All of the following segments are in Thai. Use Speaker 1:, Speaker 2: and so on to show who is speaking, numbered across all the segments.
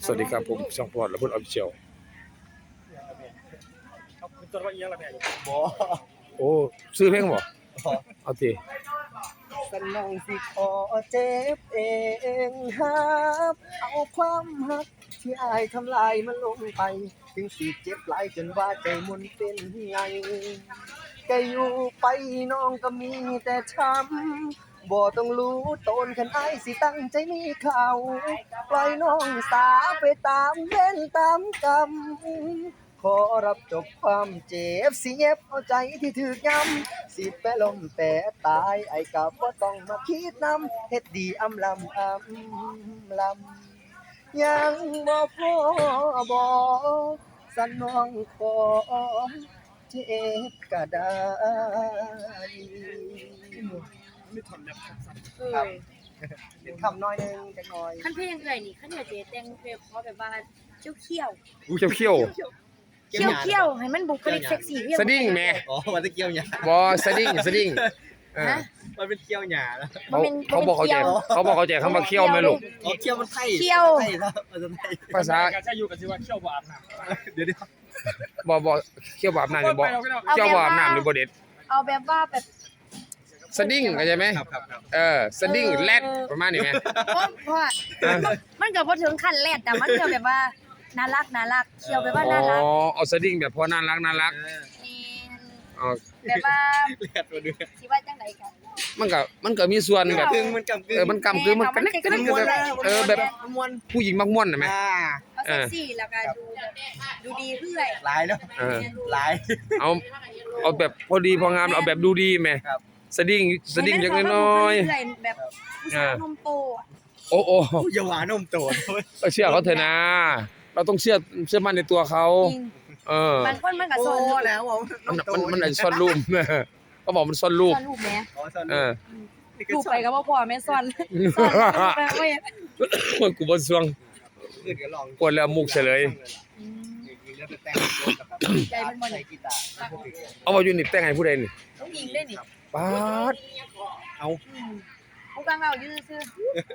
Speaker 1: วัสดีครับผมช่องพอดและพุ่นออฟฟิเชียล
Speaker 2: ตัวว่าอีหยังล่ะแม่บ่
Speaker 1: โอ้ซื้อเพลงบ่เอาติ
Speaker 3: สนองสิขอเจ็บเองครับเอาความหักที่อายทำลายมันลงไปถึงสิเจ็บหลายจนว่าใจมุนเป็นไงก็อยู่ไปน้องก็มีแต่ช้ำบ่ต้องรู้ตนคันอายสิตั้งใจมีเขาปล่อยน้องสาไปตามเว้นตามกรรมขอรับจบความเจ็บสิเย็บเอาใจที่ถูกย้ำสิแปะลมแปะตายไอ้กับบ่ต้องมาคิดนำเฮ็ดดีอำลำยังบ่พอบ่สันน้องขอเจ็บก็ได้
Speaker 2: มีท่อนแบบสั้น
Speaker 3: ครับเป็นคำน้อยหนึงจักหน่อย
Speaker 4: ขั้นเพลงเอ่ยนี่ขั้นเดี๋ยวเจ๊แต่งเพลงเพราะแบบว่าเขี้ยว
Speaker 1: อู้เขี้ยว
Speaker 4: เขี้ยวให้มันบุคลิกเซ็กซี่เรียบ
Speaker 1: สดิ้งแม่
Speaker 3: อ๋อมันจะเกี่ยวหยา
Speaker 1: บ่สดิ้ง
Speaker 4: ฮะ
Speaker 3: มันเป็นเกี่ยวหยาแล้ว
Speaker 1: เขาบอกเขาใจคำว่าเขี้ยวแม่ลูก
Speaker 3: อ๋อเกี่ยวมันไทย
Speaker 4: เขี้ยว
Speaker 3: ไทยครับมันจะไทย
Speaker 1: ภาษา
Speaker 2: การใช้อยู่กันสิว่าเขี้ยวบ่อาบน้ำ
Speaker 3: เดี๋ยว
Speaker 1: บ่เขี้ยวบาบน้ำนี่บ่เขี้ยวบาบน้ำนี่บ่เด็ด
Speaker 4: เอาแบบว่าแบบ
Speaker 1: สดิ้งเข้าใจไหม
Speaker 3: ครับ
Speaker 1: สดิ้งแรดประมาณนี้แม่
Speaker 4: เพราะว่ามันก็บ่ถึงขั้นแรดแต่มันก็แบบว่าน่ารักเขี้ยวแบบว่าน่ารัก
Speaker 1: อ๋อเอาสดิ้งแบบพอน่ารัก
Speaker 4: นี่
Speaker 1: อ๋อ
Speaker 4: แบบว่า
Speaker 3: เลียดมาด้วย
Speaker 4: สิว่าจังไดกัน
Speaker 1: มันก็มีส่วนแบบ
Speaker 3: กึ่งมันกำกึ่ง
Speaker 1: มันกำคือมันกันแบบ
Speaker 3: มวน
Speaker 1: ผู้หญิงมักม่วนน่ะแม่
Speaker 4: เอาเซ็กซี่แล้วก็ดูแบบดูดีเรื่อย
Speaker 3: หลายแล้ว
Speaker 1: เออ
Speaker 3: หลาย
Speaker 1: เอาแบบพอดีพองามเอาแบบดูดีแม่
Speaker 3: ครับ
Speaker 1: สดิ้งจักน้อย
Speaker 4: แบบผู้ชายนมโตอ่ะ
Speaker 1: โอ้
Speaker 3: อย่าหวานมโตด
Speaker 1: เชื่อเขาเถอะนะ เราต้องเชื่อมั่นในตัวเขา
Speaker 4: จริง
Speaker 1: เออบ
Speaker 4: างคนมันก็
Speaker 3: โอ้
Speaker 4: โซ
Speaker 3: แล้วอ่ะ
Speaker 1: มันอาจจะซ่อนรูปเขาบอกมันซ่อนรูป
Speaker 4: ซ่อนรูปแหม
Speaker 1: เออ
Speaker 4: รูปไปก็บ่พอแม่ซ่อนไปเว้ย
Speaker 1: กูบ่สวง
Speaker 3: อื่นก็ลอง
Speaker 1: กวนแล้วมุกเฉลย
Speaker 4: ใจมันบ่
Speaker 3: ใส่
Speaker 4: นี่
Speaker 3: กีตาร์
Speaker 1: เอาว่าอยู่นี่แต่งให้ผู้ใดนี่
Speaker 4: ต้องยิงได้นี่
Speaker 1: ป๊าด
Speaker 4: ผู้กลางเอาอยู่ซื่อ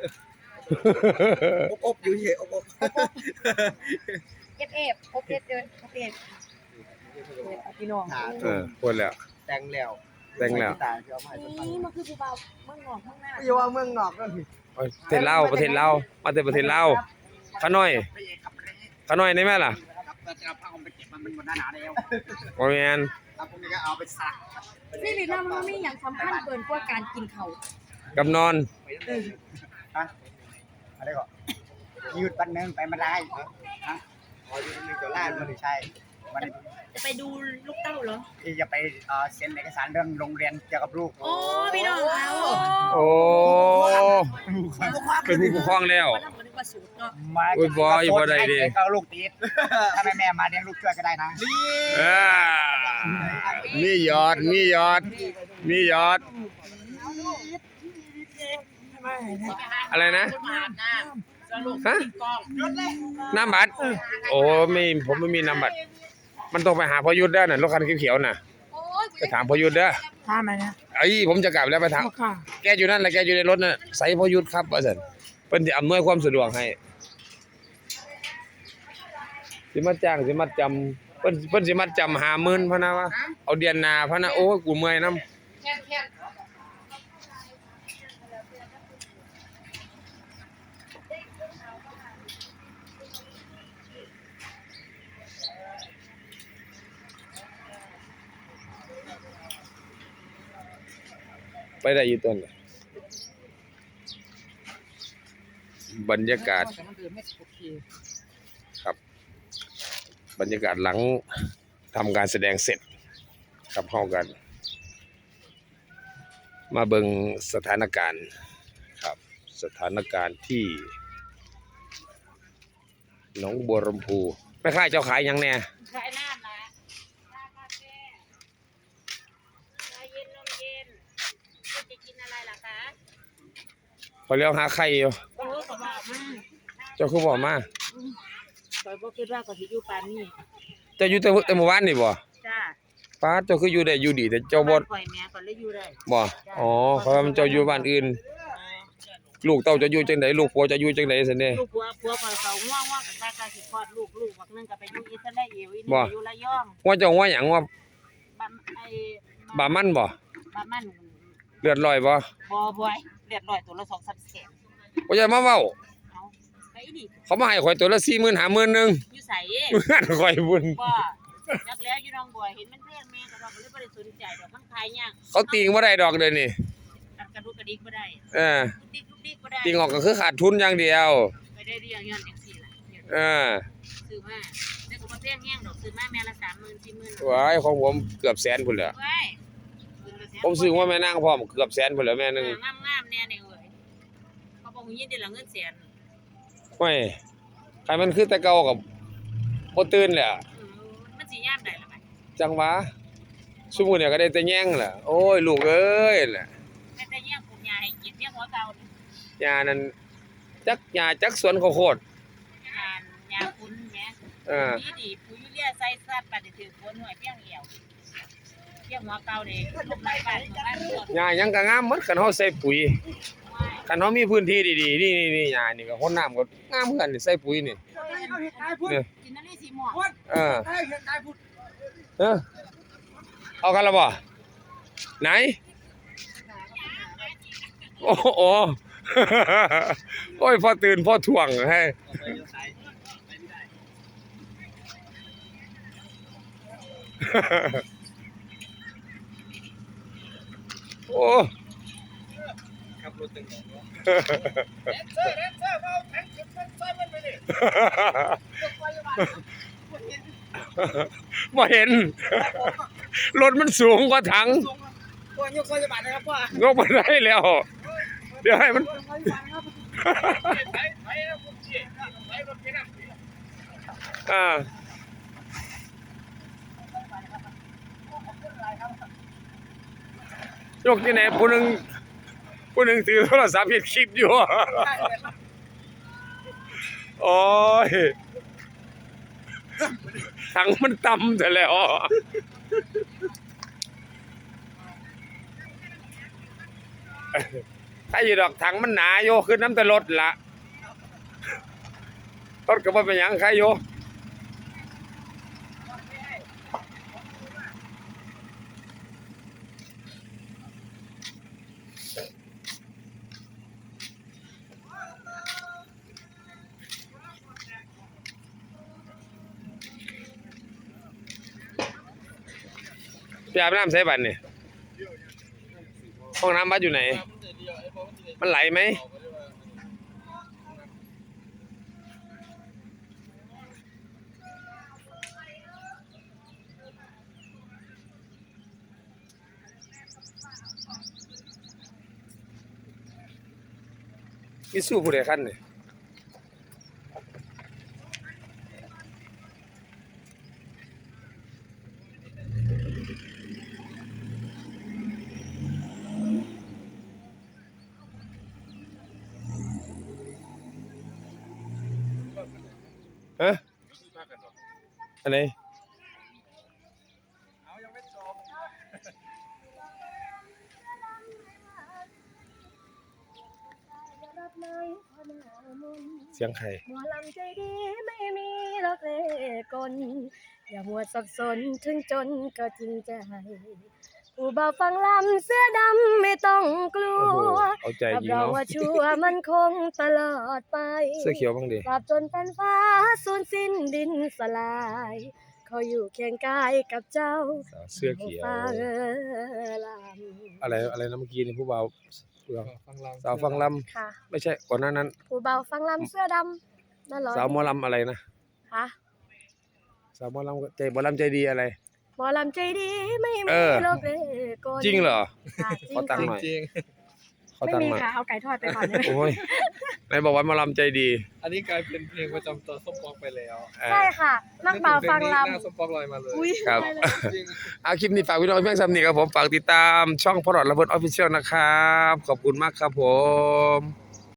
Speaker 3: อบอยู่เฉยอบ
Speaker 4: เก็บเอฟพบเอฟเดินพบเอฟพี่น้อง
Speaker 1: กวนแล้ว
Speaker 3: แต่งแล้ว
Speaker 1: แต่งแล้ว
Speaker 3: กีตาร์เอามาให้ฟัง
Speaker 4: นี่มันคือผู้เบาเมืองนอกเมืองหน้า
Speaker 3: อย่าว่าเมืองนอกนั่น
Speaker 1: ประเทศลาวมาแต่ประเทศลาวขาน้อยได้ไหมล่ะ
Speaker 3: ครับจะเอาผ้าห่มไปเก็บมันบนหน้าหนาแล้ว
Speaker 1: บ่แม่น
Speaker 3: ครับผมก็เอาไปซัก
Speaker 4: ชีวิตเรามันมีอย่างสำคัญเกินกว่าการกินเขา
Speaker 1: กับนอน
Speaker 3: ฮะอะไรก่อนยืดปันนึงไปมาได้ฮะอ๋อยืดนึงจะล่ามันใช่มัน
Speaker 4: จะไปดูลูกเต้าเหรอ
Speaker 3: ที่จะไปเซ็นเอกสารเรื่องโรงเรียนเกี่ยวกับลูก
Speaker 4: โอ้พี่น้องเขา
Speaker 1: โอ้เป็นผู้ปกครองแล้ว
Speaker 4: วันนั้นมันนึกว่าสูตรเนาะ
Speaker 3: มา
Speaker 1: โอ้ยบ่อย่าบ่ได้ดิ
Speaker 3: เอาลูกติดถ้าแม่มาเลี้ยงลูกช่วยก็ได้นะ
Speaker 1: มียอดอะไรนะฮะน้ำบัตรโอ้ผมไม่มีน้ำบัตรมันต้องไปหาพยุทธ์เด้อน่ะรถคันเขียวๆน่ะ
Speaker 4: โอ้ย
Speaker 1: ไปถามพยุทธ์เด้อ
Speaker 4: ถามอะไรนะ
Speaker 1: ผมจะกลับแล้วไปถามแกอยู่นั่นแหละแกอยู่ในรถน่ะใส่พยุทธ์ครับว่าซั่นเพิ่นสิอำนวยความสะดวกให้สิมาจ้างสิมาจำเพิ่นสิมาจำ50,000พะนะวะเอาเดือนหน้าพะนะโอ้ยกูเมื่อยนำ
Speaker 4: แค่
Speaker 1: ไปได้อยู่ต้นเลยบรรยากาศครับบรรยากาศหลังทำการแสดงเสร็จครับเข้ากัน มาเบิ่งสถานการณ์ครับสถานการณ์ที่หนองบัวลำพูแม่ค้าเจ้าขายหยังแน่
Speaker 4: ขายน้ำละชากาแฟชาเย็นนมเย็นคุณจะกินอะไรล่ะคะ
Speaker 1: พอเลี้ยวหาไข่อยู่
Speaker 4: โอ้ก็บอกมา
Speaker 1: เจ้าคือบอกมา
Speaker 4: คอยบ่คิดว่าก็สิอยู่ปานนี้
Speaker 1: เจ้าอยู่แต่เมื่อวานนี่บ่
Speaker 4: จ้า
Speaker 1: ป้าเจ้าคืออยู่ได้อยู่ดีแต่เจ้าบ่
Speaker 4: ข่อยแม่ก็เลยอยู่ได้
Speaker 1: บ่อ๋อเพราะว่ามันเจ้าอยู่บ้านอื่นลูกเต้าจะอยู่จังไดลูกผัวจะอยู่จังไดซั่นเด้
Speaker 5: ลูกผัวคอยเขาง่วงกับตาสิคลอดลูกบักนึงก็ไปอยู่อิสราเอลอีนี่อยู่ระยอง
Speaker 1: ว่าเจ้าว่าหยังว่า
Speaker 5: ไอ้
Speaker 1: บามันบ่
Speaker 5: บ้ามัน
Speaker 1: เลือดลอยบ่
Speaker 5: บ่อยเรียบร้อยตัวละ2-3แสน
Speaker 1: บ่อย่ามาเว้า
Speaker 5: เอาไปดิ
Speaker 1: เขามาให้ข่อยตัวละ40,000 50,000นึง
Speaker 5: อยู่ไส
Speaker 1: งานข่อยบุญ
Speaker 5: บ่จักแล้วอยู่น้องบัวเห็นมันแพงแม่ก็ดอกเลยบ่ได้สนใจดอกมันขายยาก
Speaker 1: เขาติงบ่ได้ดอกเดี๋ยวนี้
Speaker 5: กระดูกกระดิกบ่ได้
Speaker 1: เออ
Speaker 5: ดิกบ่ได้
Speaker 1: ติงออกก็คือขาดทุนอย่างเดียว
Speaker 5: ไปได้เรียงย้อนจังซี่ล่ะ
Speaker 1: เออ
Speaker 5: ซื้อมาแต่ก็บ่แพงแฮงดอกซื้อมาแม่ละ 30,000 40,000
Speaker 1: ว้ายของผมเกือบแสนพุ่นแหละ
Speaker 5: ว้าย
Speaker 1: ผมซื้อว่าแม่นางพร้อมเกือบแสนพุ่นแหละแม่นึง
Speaker 5: งามๆแน่นี่เอ้ยเขาบอกยินได้ละเงินแสน
Speaker 1: โอ้ยใครมันคือแต่เก่ากับบ่ตื่นแหละ
Speaker 5: มันสิยามได้ล่ะบัด
Speaker 1: จังหวะซุมื้อเนี่ยก็ได้แต่แย่งแหละโอ้ยลูกเอ้ยแหละ
Speaker 5: แม่แต่แย่งปลูกหญ้าให้กินเพียงหัวเก่านี่
Speaker 1: ยานั้นจักหญ้าจักสวนข้าวโพด
Speaker 5: หญ้าคุณแหม
Speaker 1: เออ
Speaker 5: ดีปุ๋ยยูเรียใส่ซัดบัดนี้ถือฝนหน่วยเพียงเหี่ยวเพียงหัวเก่านี่ลูกไม้บ้านหมด
Speaker 1: หญ้าหยังก็งามหมดคันเฮาใส่ปุ๋ยคันเฮามีพื้นที่ดีๆนี่หญ้านี่ก็คนน้ำก็งามเหมือนกันนี่ใส่ปุ๋ยนี่ เนี่ย
Speaker 5: กินนั่นนี่สิหมอก
Speaker 1: เออเออเอากันแล้วบ่ไหนโอ้โห โอ้ยพอตื่นพอถ่วงให้ โอ้
Speaker 2: ขับรถตึง
Speaker 1: บ่เห็น รถมันสูงกว่าถัง
Speaker 2: พ่อยกซอยบาทนะครับพ่อย
Speaker 1: กมาได้แล้ว เดี๋ยวให้มัน อ่ายกที่ไหนผู้หนึ่งถือโทรศัพท์เฮ็ดคลิปอยู่ โอ้ยถังมันต่ำแต่แล้วถ้าอยู่ดอกถังมันหนาโยขึ้นน้ำแต่รถละรถก็บ่เป็นหยังใครโยไปอาบน้ำใส่บัตรนี่ห้องน้ำบัตรอยู่ไหน มันไหลไหมมีสู้ผู้ใดขั้นนี่ฮะอะไรเสียงใคร
Speaker 4: หมอลำใจดีไม่มีหรอกเลกลอย่ามัวสับสนถึงจนก็จริงใจผู้บ่าวฟังลำเสื้อดำไม่ต้องกลั
Speaker 1: โอ้โห
Speaker 4: ว
Speaker 1: เอาใจ
Speaker 4: รับ
Speaker 1: ยิง
Speaker 4: รอง
Speaker 1: เนาะ
Speaker 4: ว่าชัวร์มันคงตลอดไป
Speaker 1: เสื้อเขียวบ้างดิ
Speaker 4: ตราบจนแผ่นฟ้าสูญสิ้นดินสลายเขาอยู่เคียงกายกับเจ้า
Speaker 1: เสื้อเขียว
Speaker 4: ฟังล
Speaker 1: อะไรนะเมื่อกี้นี่ผู้บ่าวสาวฟังล
Speaker 4: ำค่ะ
Speaker 1: ำไม่ใช่ก่อนหน้านั้น
Speaker 4: ผู้บ่าวฟังลำเสื้อดำนั่นเหรอ
Speaker 1: สาวหมอลำอะไรนะ
Speaker 4: ค่ะ
Speaker 1: สาวหมอลำใจหมอลำใจดีอะไร
Speaker 4: หมอลำใจดีไม่มี
Speaker 1: เออ
Speaker 4: โลกเลกล
Speaker 1: จริงเหรอ
Speaker 4: ค่ะจริ
Speaker 1: ขอตังค์หน่อย
Speaker 2: จริง
Speaker 1: ขอ
Speaker 4: ไม่
Speaker 1: ตัง
Speaker 4: มี
Speaker 1: ค์หน่อย
Speaker 4: ค่ะเอาไก่ทอดไปก่อนได้ไหม
Speaker 1: โอ้ยไหนบอกว่าหมอลำใจดี
Speaker 2: อันนี้กลายเป็นเพลงประจำตัวส้มปองไปแล้ว
Speaker 1: เออ
Speaker 4: ใช่ค่ะนักบ่าวฟังล
Speaker 2: หน้าส้มปองลอยมาเลย
Speaker 4: ำอุ้ย
Speaker 1: ครับ
Speaker 4: ได้เลย
Speaker 2: จริง
Speaker 1: เอาคลิปนี้ฝากพี่น้องเพียงซ้ำนี้ครับผมฝากติดตามช่องพอดระเบิดออฟฟิเชียลนะครับ ขอบคุณมากครับผม